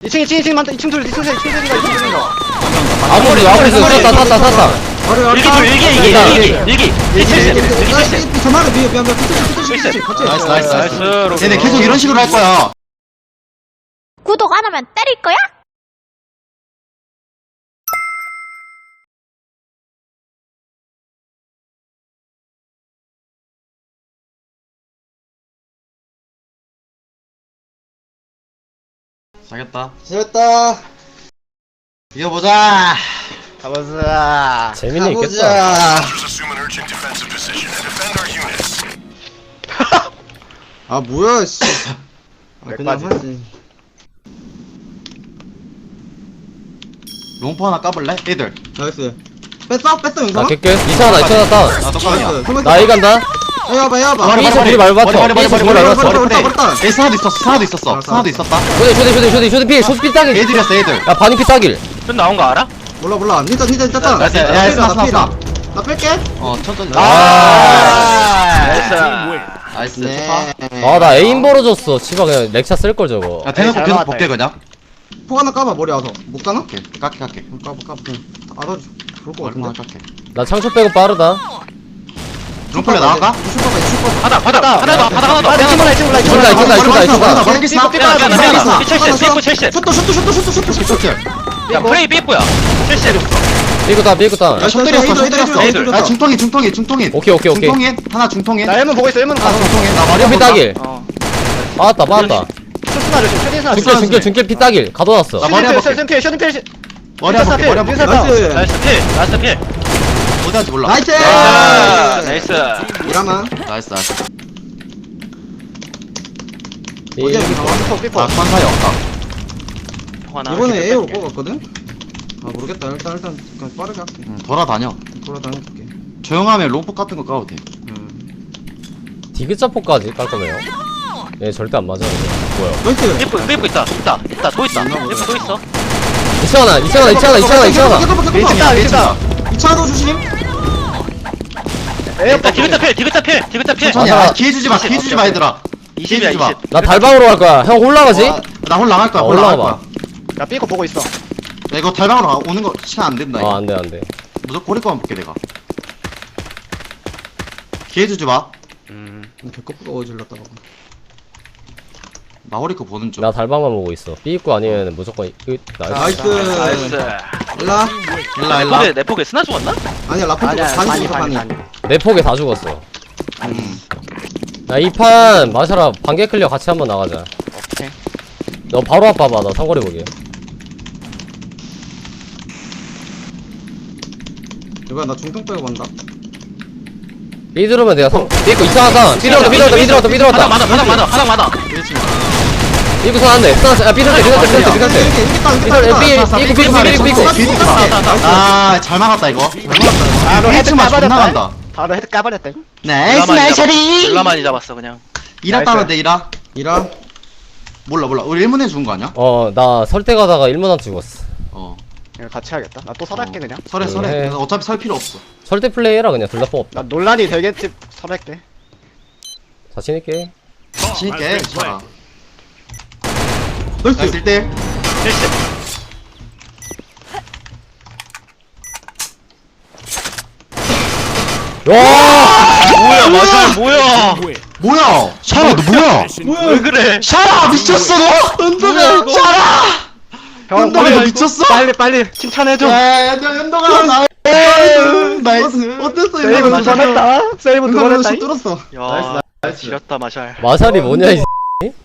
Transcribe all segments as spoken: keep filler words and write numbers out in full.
이층 이층 이층 많다. 이층 둘 이층 셋 이층 셋인가 이층 셋인가. 아무리 아무리 쐈다 쐈다 쐈다. 일기 줘 일기 일기 일기 일기 일기 칠십 일기 칠십. 전화를 미안 미안 미안. 피치 피치 같이. 나이스 나이스 나이스. 나이스. 얘네 계속 이런 식으로 할 거야. 구독 안 하면 때릴 거야? 잘했다. 잘했다. 이겨보자. 가보자. 재밌는 있겠다. 가보자. 아 뭐야 씨. 아, 그냥 하지. 롱포 하나 까볼래? 애들. 나이스. 뺐어 뺐어 영상. 나 개끝. 이천하다 이천하다. 나 똑같냐. 나 A 간다. 해봐 해봐. 머리, 머리, 머리 말고 맞춰. 머리 머리 머리 머리 머리, 머리 머리, 머리 머리, 머리. 에이 스나도 있었어. 스나도 있었어. 알았어, 스나도 알았어. 있었다. 쇼디 쇼디 쇼디 쇼디 쇼디 피 쇼디 피 따길. 애들이었어 애들. 야 반이 피 따길. 좀 나온 거 알아? 몰라 몰라. 니자 니자 니자. 야, 야, 야, 야, 스나, 스나, 스나. 나 뺄게. 어 천천히. 나이스. 나이스. 네. 좋다. 아 나 에임 벌어졌어. 씨발 그냥 렉차 쓸 걸 저거. 야 대놓고 잘 계속 나왔다, 볼게 그냥. 폭 하나 까봐 머리 와서. 못 가나? 오케이. 깎게 깎게. 까봐 까봐. 알아. 좋을 것 얼마나 같은데. 깎게. 나 창초 빼고 빠르다. 롱플레 나갈까? 이슈 봐봐 이슈 봐봐. 바닥 바닥 바닥 더 바닥 하나 더. 아, 내 친구라, 이 친구라, 이 친구라. 이쪽다, 이쪽다, 이쪽다, 이쪽다. 머리 스나. 삐꾸, 삐꾸, 야, 야, 삐꾸, 야, 삐꾸, 야, 칠십, 삐꾸, 삐꾸 칠십. 슛도, 슛도, 슛도, 슛도, 슛도, 슛도. 쇼트. 야 프레이 삐꾸야. 칠십. 삐고 따 삐고 따. 야 슛들이었어 슛들이었어. 애들. 야 중통인 중통인 중통인. 오케이 오케이 오케이. 중통인 하나 중통인. 나 일문 보고 있어, 일문 하나 가서. 중통인. 나 머리 피 따길. 어. 빠았다 빠았다. 쇼스나 조심, 쇼디스나 중길 중길 중길 피 따길. 가둬놨어. 나 머리 한번 볼게. 쇼딘필, 쇼딘필. 머리 한번 볼게. 머리 한번 볼게. 나이스. 나이스 필. 나이스 필. 어디 할지 몰라. 나이스. 아, 나이스. 이라만. 나이스 나이스. 어디야, 여기 나와. 삐퍼, 아 삐퍼. 관사이 없다. 하나. 이번에 이렇게 A로 뺄게. 뽑았거든? 아, 모르겠다. 일단, 일단, 그냥 빠르게 할게. 응, 돌아다녀. 돌아다녀볼게. 조용하면 롱포 같은 거 까도 돼. 음. 디귿자포까지 깔 거네요. 얘 절대 안 맞아. 뭐야? 나이스. 삐꾸 삐꾸 있다. 있다. 있다. 또 있다. 삐꾸 또 있어. 이천하나 이천하나 이천하나 이천하나 이천하나. 베이징이야 베이징이야. 이 차도 조심. 야 디귿자 필. 디귿자 필. 디귿자 필. 천천히. 맞아. 아, 기회 주지 마. 기회 주지 마 얘들아. 이십이야 기회 주지 마. 이십. 나 달방으로 갈 거야. 형 올라가지? 아, 나 홀라 나갈 거야. 어, 홀라 나갈 올라와봐. 거야. 야, 삐고 보고 있어. 야, 이거 달방으로 가- 오는 거 시간 안 된다. 아 이거. 안돼 안돼. 무조건 고릴 거만 볼게 내가. 기회 주지 마. 음. 배꼽부가 어질렀다가. 나 허리 거 보는 중. 나 달방만 보고 있어. B 입구 아니면 무조건 끝. 나이스. 나이스. 나이스. 일라. 일라 내 일라. 폭에 내 폭에 스나 죽었나? 아니야, 라푼트 반이 죽었어, 반이. 내 폭에 다 죽었어. 음. 야 이 판 마샤라 반개 클리어 같이 한번 나가자. 오케이. 너 바로 앞 봐봐. 나 상거리 보게. 이거야, 나 중통 빼고 간다. B 들으면 내가 상 B 입구 이상하다. B 들어왔다 B 들어왔다 B 들어왔다 B 바닥 들어왔다. 많아. 바닥 많아. 바닥 많아. 일 층. B 입구 선한데. 야 B 들었대 B 들었대 B 들었대 B 들었대. 이렇게, 이렇게 따, 이렇게 B 따, 들었대 이렇게 따. B 입구 B 입구 B 입구 B 입구. 뒤에 있지 마. 아, 잘 막았다 이거. 아, 너 일 헤드 층만 존나 까버렸다. 간다. 바로 헤드 까버렸다. 나이스 나이스 리. 일라만이 잡았어 그냥. 이라 나이스. 따면 돼 이라. 이라. 몰라 몰라. 우리 일문에 죽은 거 아니야? 어 나 설대 가다가 일문한테 죽었어. 어. 이거 같이 해야겠다. 나 또 설할게, 그냥. 설해 설해. 해. 그래서 어차피 설 필요 없어. 설대 플레이 해라 그냥. 둘 다 뽑 없다. 나 논란이 되겠지, 설할게. 자신 있게. 진있게 쳐라. 나이스. 나이스 일 대 일. 칠십. 와. 뭐야 맞아 뭐야. 뭐야? 샤라 너 뭐야? 왜 그래? 샤라 미쳤어 너? 연동아, 샤라! 형, 연동아 너 빨리, 미쳤어? 빨리, 빨리 칭찬해줘. 야, 연동 연동아 나이스 나이스. 어땠어, 세이브 이거? 두 번 했다. 세이브 두 번 연동아 했다. 뚫었어. 야 지렸다 마샬. 마샬이 뭐냐 이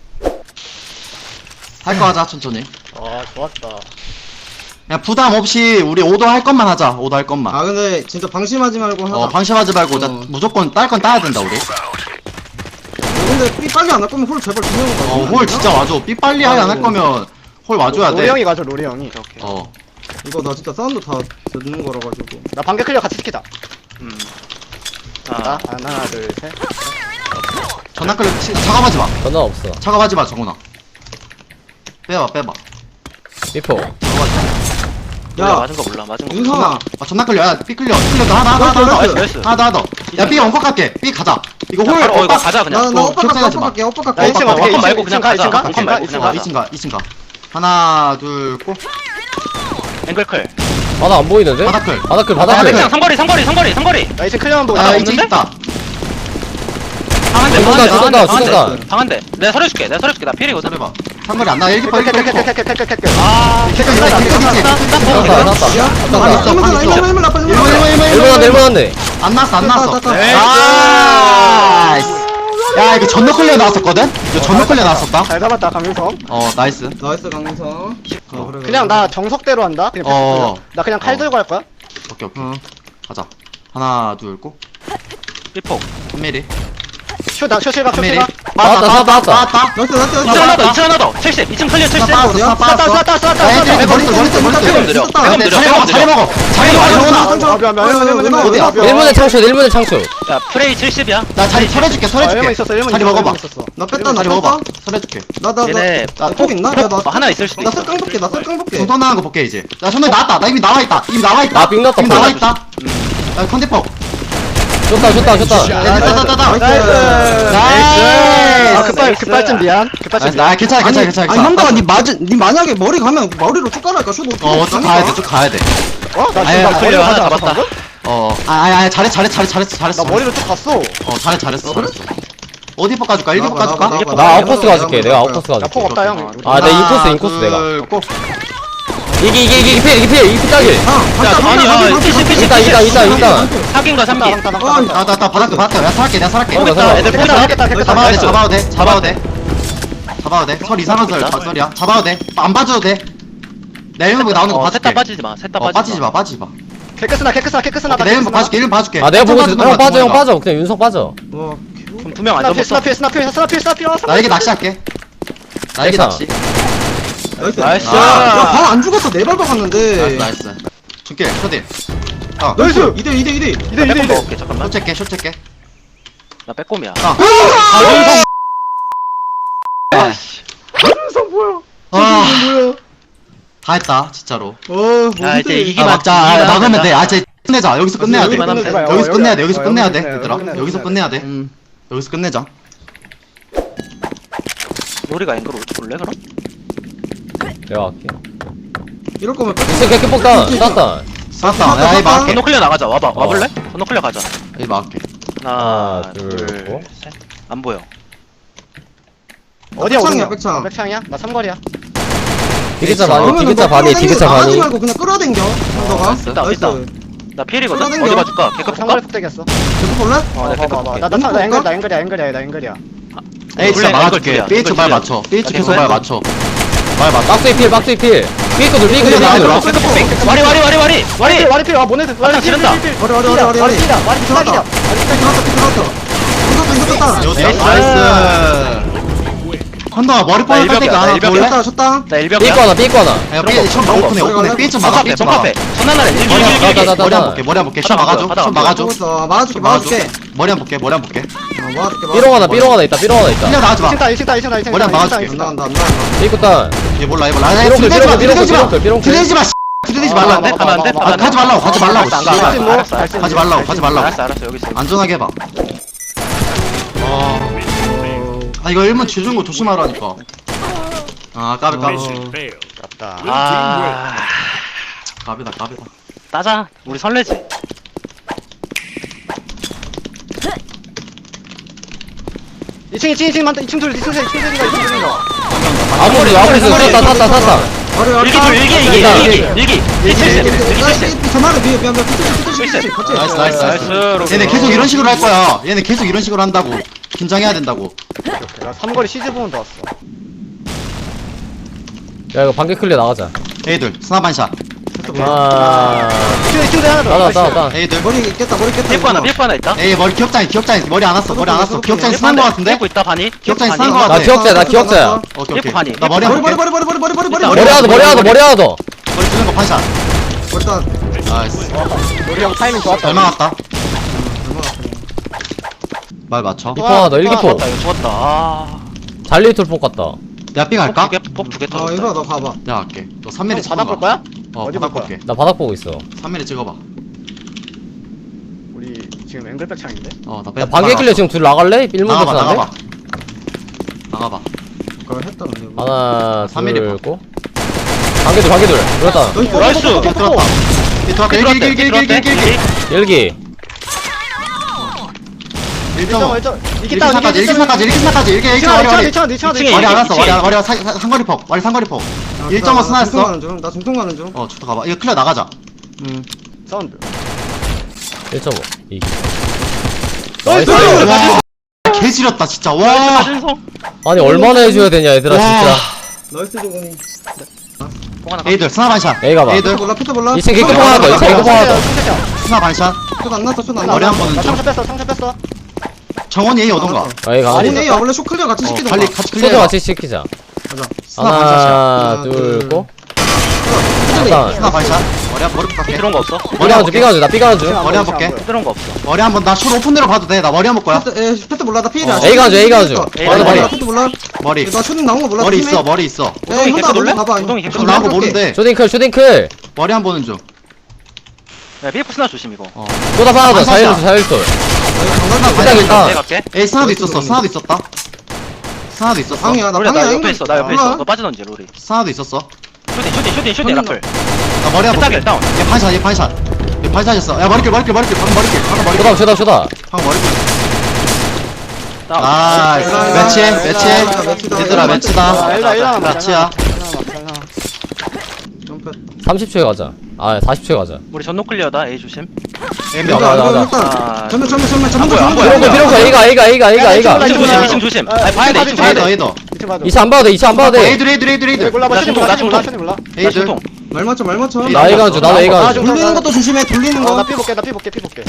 할 거 하자 천천히. 아, 좋았다. 야 부담 없이 우리 오더 할 것만 하자. 오더 할 것만. 아, 근데 진짜 방심하지 말고 하자. 어 방심하지 말고 나 어. 무조건 딸 건 따야 된다 우리. 근데 삐 빨리 안 할 거면 홀 제발 두 명은 가자. 어홀 진짜 와줘. 삐 빨리 하게 안 할 거면 홀 와줘야 로리 돼. 형이 가죠, 로리 형이. 오케이 오케이. 어. 이거 나 진짜 사운드 다 듣는 거라 가지고. 나 반개 클리어 같이 시키자. 음. 자, 아. 하나, 둘, 셋. 전화 끌려 치- 작업하지 마. 전화 없어. 작업하지 마 정훈아. 빼봐 빼봐. 비포. 몰라 야, 맞은 거 몰라 맞은 거. 윤성아. 아 전화 끌려. 야 삐 끌려. 삐 끌려. 하나 하나 하나 나이스, 하나 나이스, 더. 나이스. 하나 더 하나 더. 야삐 엉컷 갈게. 삐 가자. 이거 자, 홀. 바로 어 이거 어, 가자 그냥. 나, 나 어, 오빠 갈게, 격차하지 오빠 마. 갈게, 오빠 야, 갈게. 이 층 어떻게 원컷 말고 그냥 가자. 원컷 말고 그냥 가 가자. 이 층 가. 이 층 가. 하나 둘고 앵글클. 바닥 안 보이는데? 바닥클. 바닥클 바닥클. 바닥클 백장 상거리 상거리 상거리 상거리. 나 이제 클리어한 거 아 없는데? 이제 있다. 방한대 죽었다, 죽었다, 방한대 죽었다. 방한대. 내가 서려줄게. 내가 서려줄게. 나 필이거든. 해봐. 상거리 안 나. 일기 퍼 일기 퍼 일기 퍼. 아. 캐릭터 있다, 캐릭터 있지. 났다 났다 반 있어, 반 있어. 일문 일문 나빠 일문, 일문, 일문, 일본 일문. 한대 일본 한대 안 났어, 안 났어. 땄다, 땄다. 나이스. 야, 이거 전노 클리어 나왔었거든? 이거 전노 클리어 나왔었다? 잘 잡았다 강민성. 어, 나이스. 나이스 강민성. 어, 그래, 그냥 나 정석대로 한다. 그냥 어. 어. 나 그냥 칼 어. 들고 할 거야. 오케이, 오케이. 어. 가자. 하나, 둘, 고. 일폭. 삼 밀리. 쇼다 쇼실각 삼 밀리. 쇼실각. 나왔다, 나왔다, 나왔다. 나왔다. 나이스 나이스 이층 나이스. 하나 더. 이층 하나 더. 칠십. 이층 클리어 칠십. 나 빠졌어, 나 쐈다 빠졌어. 쐈다 쐈다 야, 쐈다. 얘들아, 머리 쏘, 머리 쏘, 머리 쏘. 백업 느려. 쐈다. 백업 느려. 자리 먹어, 자리 먹어. 자리 먹어, 정훈아. 아 미안 미안 미안 미안 어디야? 미안. 일본의 창출 일본의 창출 야 프레이 칠십이야. 나 자리 설해줄게, 일본 설해줄게. 있었어 일본 자리 있었어, 먹어봐. 일본 있었어. 나 뺐다 나 자리 먹어봐. 뺐다. 설해줄게. 얘네 나나나폭 있나? 폭, 야나 폭 하나 있을 수도 나 있어. 쓱깡 볼게 나 쓱깡 볼게. 중턴 나는 거 볼게, 이제. 야, 손에 나왔다. 나 이미 나와있다. 이미 나와있다. 아, 빅 났다, 이미 빅 나와있다. 야, 컨디퍼. 좋다 좋다 좋다 야, 따다다다. 나이스. 아 나이스. 급발 급발진 미안. 급발진 나이스. 미안. 아, 괜찮아, 괜찮아, 아니, 괜찮아. 아니 형들아 니 맞은 니 만약에 머리 가면 머리로 쭉 깔아니까 쇼도 어, 쭉 가야 돼, 쭉 가야 돼. 어? 나 아니, 지금 나 아니, 머리로 하나 가지 않았어, 잡았다. 방금? 어, 아, 아, 아, 잘했, 잘했, 잘했, 잘했어, 잘했어. 나 머리로 쭉 갔어. 어, 잘했, 잘했어, 잘했어. 어디 퍼 까줄까? 일기 퍼 나봐, 까줄까? 나봐, 나봐, 나 나봐, 아웃코스 나봐, 가줄게 나봐, 내가 나봐. 아웃코스 야 가줄게 폭 없다 형. 아, 내 인코스, 인코스 내가. 고. 이게 이게 이게 필 이게 필 이게 딱일 야 아니 아 칠십 칠십 있다 있다 있다 있다 사귄 거 삼기. 아, 나, 나, 나, 바닥, 바닥. 내가 살게, 내가 살게. 어, 나 살아. 애들 깨끗하다 포장. 깨끗하다 깨끗하다. 잡아도 돼, 나이스. 잡아도 돼, 잡아도 돼. 잡아도 돼. 설 이상한 설, 있다. 박설이야. 잡아도 돼. 안 빠져도 돼. 내 일문 나오는 거 어, 봐줄게. 셋다 빠지지 마. 셋다 어, 빠지지 빠지지 마, 빠지지 마. 개크스나 개크스나 개크스나 내 일문 봐줄게, 일문 봐줄게. 아 내가 보고 있어 빠지는 형 거야, 빠져 형 동훈이가. 빠져 그냥 윤석 빠져 와, 그럼 두명 안 스나필 잡았어. 스나필 스나필 스나필 스나필 나에게 낚시할게. 나에게 됐어. 낚시. 나이스. 나이스. 야방안 죽었어 네 발 박았는데. 나이스, 나이스. 줄게, 쇼디. 어, 나이스. 이대 이대 이대. 이대 나 이대 빼꼼 이대. 먹을게. 잠깐만. 쇼 체게, 쇼 체게. 나 빼꼼이야. 아, 강민성 뭐야? 아, 뭐야? 다 했다, 진짜로. 어, 뭔데? 야, 이제 이기- 아, 이기만- 막자. 아, 이기만 막으면 하자. 돼. 아, 이제 끝내자. 여기서 끝내야 돼. 여기만 하면 돼. 여기서 어, 끝내야 여기- 돼. 여기서 어, 끝내야 여기 돼. 끝내야 돼. 얘들아. 여기 끝내야 여기서 돼. 끝내야 돼. 음. 여기서 끝내자. 로리가 앵글 올래 그럼? 내가 할게 이럴 거면 뺐. 진짜 개개 뽑다 땄다 쌌다. 야, 이 막게. 건너 클리어 나가자. 와봐. 어. 와볼래? 건너 클리어 가자. 이 막게. 하나, 하나, 둘, 둘, 고. 셋. 안 보여. 어디야 백창이야, 오른쪽? 백창. 어, 백창이야? 나 삼거리야. 디귿자 그러면은 반이 디귿자 반이 디귿자 나가지 반이 말고 그냥 끌어당겨. 너가. 나이스. 있다, 있다. 나 필이거든? 끌어당겨. 어디 봐줄까? 개급 삼거리 볼까? 폭대겠어. 계속 볼래? 어, 네, 나 봐봐. 볼게. 나, 나, 나, 나 볼까? 앵글, 나 앵글이야, 앵글이야, 나 앵글이야. 에이, 진짜 원래 막아줄게. 앵글 삐에츠 둘이야, 말 앵글 맞춰. 둘이야. 삐에츠 계속 앵글 말 맞춰. 말 맞춰. 박스에 필 박스에 필 삐거들 삐거들 나와, 삐거들 나와. 개급 폭 와리, 와리, 와리, 와리! 와리! 와리 필, 와, 모네드. 와리 지른다. 머리 머리 머리 머리. 와리 필이야, 와리 필이야. 들어갔다. 들어갔다. 들어갔다. 이거 떴다. 이거 떴다. 나이스. 한다 머리 나 뻔할 일병이야, 때가 나 하나 일병이야. 볼래? 쳤다 쳤다. 나 일병이야. 삐거 하나 삐거 하나 야, 삐 처음 너무 오픈해, 오픈해. 삐에츠 막아, 정카페, 삐에츠 막아. 정카페. 전화날에 일기, 머리 일기, 한 일기. 나, 나, 나, 머리 한 나. 볼게, 머리 한 볼게. 슛 바닥 안 막아줘, 보여, 바닥 슛 안 보여. 막아줘. 죽었어. 막아줄게 슛 막아줘. 막아줄게. 머리 한 볼게, 머리 한 볼게. 어, 막아줄게. 삐롱 하나 삐롱 하나 있다 삐롱 하나 있다 그냥 나가지 마. 이층 따, 이층 따, 이층 따, 이층 머리 따, 한번 이층 따, 막아줄게. 이층 따. 안 나간다 안 나간다. 삐거 딸 얘 몰라, 얘 몰라. 아, 삐롱클, 들이대지 마, 삐롱클, 들이대지 마. 삐롱클, 삐롱클. 들이대지 마, 씨. 들이대지 가면 말라. 안 돼? 가면 안 돼? 아, 가지 말라고, 가지 말라고. 알았어, 안 가, 씨발. 알았어, 뭐? 알았어, 알았어. 가지 말라고, 가지 말라고. 알았어, 알았어, 여기 있어. 안전하게 해봐. 어. 아, 이거 일문 지준 거 조심하라니까. 아, 까비, 까비. 아, 까비다, 까비다. 따자. 우리 설레지. 이층, 이층, 이층 많다. 이층 둘, 이층 셋, 이층 셋인가, 이층 셋인가. 아무리 아무리 쐈다 쐈다 쐈다 머리 머리. 일기 줄, 일기, 일기, 일기, 일기, 일기. 일기 칠십, 일기 칠십. 전화를 미안 미안 미안. 피치 피치 피치. 같이. 나이스, 나이스, 나이스. 나이스. 얘네 계속 이런 식으로 할 거야. 얘네 계속 이런 식으로 한다고. 긴장해야 된다고. 나 삼거리 시즈 보면 더 왔어. 야 이거 반개 클리어 나가자 에이들, 스나반샷. 아 이층, 이층 대 하나 더. 나다 나다 에이들. 머리 깼다 머리 깼다. 삐꾸 하나, 삐꾸 하나 있다. 에이, 머리 기억장이, 기억장이. 머리 안 왔어, 머리 안 왔어. 기억장이 삐꾸 쓰는 거 한 대. 같은데? 삐꾸 있다, 반이. 기억장이 삐꾸 쓰는 거 반이. 같아. 나 기억자야 나 기억자야 오케이, 오케이. 삐꾸 반이. 나 머리 한 머리 볼게. 머리 머리 머리 머리 머리 머리. 있다, 머리 하나 더 머리 하나 더 머리 하나 더 머리 쓰는 거 반샷. 일단 나이스. 우리 형 타이밍 좋았다. 잘 막았다. 말 맞춰. 이포 하나 더 일기포 죽었다, 이거 죽었다. 아. 잘리톨 폭 같다 내가 삐 갈까? 폭두개 아 터졌다. 이거 너 가봐. 내가 갈게. 너 삼 밀리 바닥 볼 거야? 어, 어디 바닥 볼 거야? 볼게. 나 바닥 보고 있어 삼 밀리 찍어봐. 우리 지금 앵글백 창인데? 어, 나 빼. 야 반개 클리어 지금 둘 나갈래? 일문 나가봐, 대표한테 나가봐. 나가봐. 그거 했다 근데. 하나 삼 밀리 봐. 둘고 관계들 관계들 그렇다 나이스. 삐 들어왔다. 삐 들어왔다. 일기, 일기, 일기, 일기, 일기, 일기. 일기 일 점 오. 일점 일점 일기 이기 다운 사까지, 일기 사까지, 일기 사까지, 일기, 일기, 이층 머리, 머리. 이층 이층 이층에 머리 안 왔어, 이층에. 머리 안, 머리 사, 사, 상거리 폭, 머리 상거리 폭. 일 점 오 나 중통 스나였어. 가는 중. 나 중통 가는 중. 어, 좋다, 가봐. 이거 클리어 나가자. 음. 사운드 일 점 오 이기 나이스! 와, 개 지렸다, 진짜. 와. 가준성. 아니 얼마나 해줘야 되냐 얘들아 와. 진짜 나이스 조건이. 뽕 하나. 에이들, 스나 반샷. 에이 가봐. 에이들, 몰라 피터 몰라. 이 층 개급 하나 더 이 층 개급 하나 더 스나 반샷. 슛안 났어 슛안 머리 났어. 한 번은 나 좀. 상처 뺐어 상처 뺐어 정원이 A 오던가. 에이 가 아니 야 원래 슛 클리어 같이 어, 시키던 빨리 거. 같이 슈도 클리어. 같이 시키자 스나 반샷이야. 하나 하나, 둘 둘. 고 슛. 일단 스나 반샷. 머리 한, 머리 볼게. 들어온 거 없어. 삐가 한줄 삐가 한줄 나 삐가 한줄 머리 한 볼게. 들어온 거 없어. 머리 한 번, 나슛 오픈으로 봐도 돼. 나 머리 한 볼 거야. 피터 에 피터 몰라 나 피해야. 어. A가 한 줄, A가 한 줄. A가 머리 한 줄. 몰라 피터 몰라. 머리. 나 슛 나온 거 몰라. 머리 조심해. 있어, 머리 있어. 에이 우동이 혼자 객도 먼저 놀래? 봐봐. 우동이 객도 좀 놀래? 나온 거 모르는데. 쇼딩클 쇼딩클 머리 한 보는 중. 야, 비에프 스나 조심 이거. 어. 쏘다 하나 더 반샷이야. 사일솔 사일솔 스나 일단 일단 내가 갈게. 에이, 스나도 있었어, 스나도 있었다. 스나도 있었어. 방이야 나 로리 방이야. 나 옆에 있어. 나 옆에 있어. 몰라. 너 빠져던지 로리. 스나도 있었어. 슈팅 슈팅 슈팅 슈팅 라플. 나 머리 한 볼게. 개따길 다운. 얘 반샷, 얘 반샷. 얘 반샷이었어. 야, 머리길, 머리길, 머리길. 방금 머리길, 방금 머리길. 쇼다 쇼다 쇼다 방금 머리길. 다운. 나이스. 아, 매치해, 아, 매치해. 아, 매치다. 얘들아, 아, 매치다. 일라 일라 매치야. 점프. 삼십 초에 가자 아 사십 초에 가자 우리 전노 클리어다. A 조심. 에이, 야, 일단 나, 나, 일단 아. 전면 전면 전면 안 보여, 전면 안 보여. 비룡거 비룡거 A가 A가 A가 A가 A가 나 이층 이쪽으로 조심. 나. 이층 조심. 아, 아, 봐야 돼. 아, 이층 봐야 에이더, 돼. 에이더. 이층 봐도 이 차 안 봐도 돼 이 차 안 봐도 돼 에이들, 에이들, 에이들, 에이들. 몰라 나 나 슈팅 중통, 몰라 나 슈팅 몰라 중통. 슈팅 몰라 에이들. 중통. 말 맞춰 말 맞춰. 에이, 나 A가 한줄 나도 A가 한줄 돌리는 것도 조심해 돌리는 거. 어나 삐볼게 나 삐볼게 삐볼게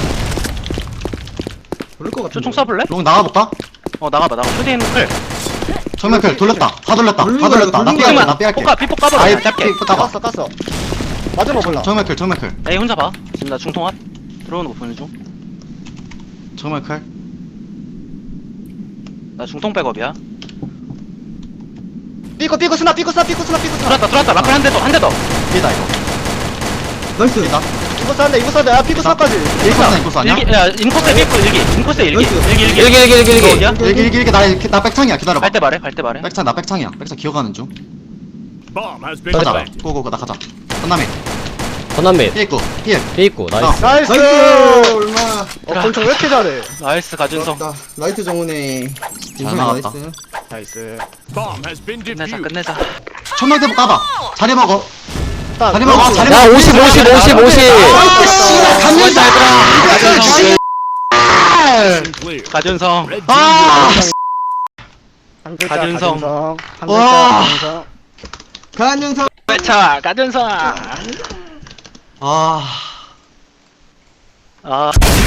돌릴 것 같아. 총 쏴볼래? 롱 나가볼까? 어 나가봐 나가. 슈팅 클. 정면 클 돌렸다. 다 돌렸다. 다 돌린 돌렸다. 거야, 나 돌린 삐할게, 거야. 나 삐할게. 포카 피폭 까버려. 아이, 짧게. 삐 까봐. 깠어 깠어 맞은 거 몰라 정면 클, 정면 클. 에이 혼자 봐. 지금 나 중통 앞. 들어오는 거 보는 중. 정면 클. 나 중통 백업이야. 삐고 삐고 스나 삐고 스나 삐고 스나 삐고 스나 들어왔다 들어왔다. 라플 한 대 더. 한 대 더. 삐다, 이거. 나이스. 삐다. 이거 싼데 이거 싼데 아 삐고 스나까지 일코스나, 일코스 아니야? 일기 야 인코스에 삐고 일기. 인코스에 일기. 나이스. 일기 일기. 일기 일기 일기 일기 어디야? 일기, 일기, 일기. 나, 이렇게- 나 백창이야. 기다려봐. 갈때 말해. 갈때 말해. 백창, 나 백창이야. 백창 기어가는 중. Bomb has been 가자. planted. 고고고, 나 가자. 건남이. 전남빛 삐있고, 삐에. 삐있고 나이스 나이스 나이스. 얼마. 어 권총 왜 이렇게 잘해 나이스 가준성. 좋았다. 라이트 정훈의 인생 나갔다. 나이스. 나이스 Bomb has been 끝내자 defused. 끝내자. 천명대보 까봐. 자리 먹어. 딱 자리 먹어. 자리 야 먹어. 오십 오십 오십 오십 씨발, 감면다, 얘들아. Clear. 가준성. Red team 아, 한 글자 가준성. 가준성 한 와. 글자 가준성 간영상. 회차 가준성. 아. 아.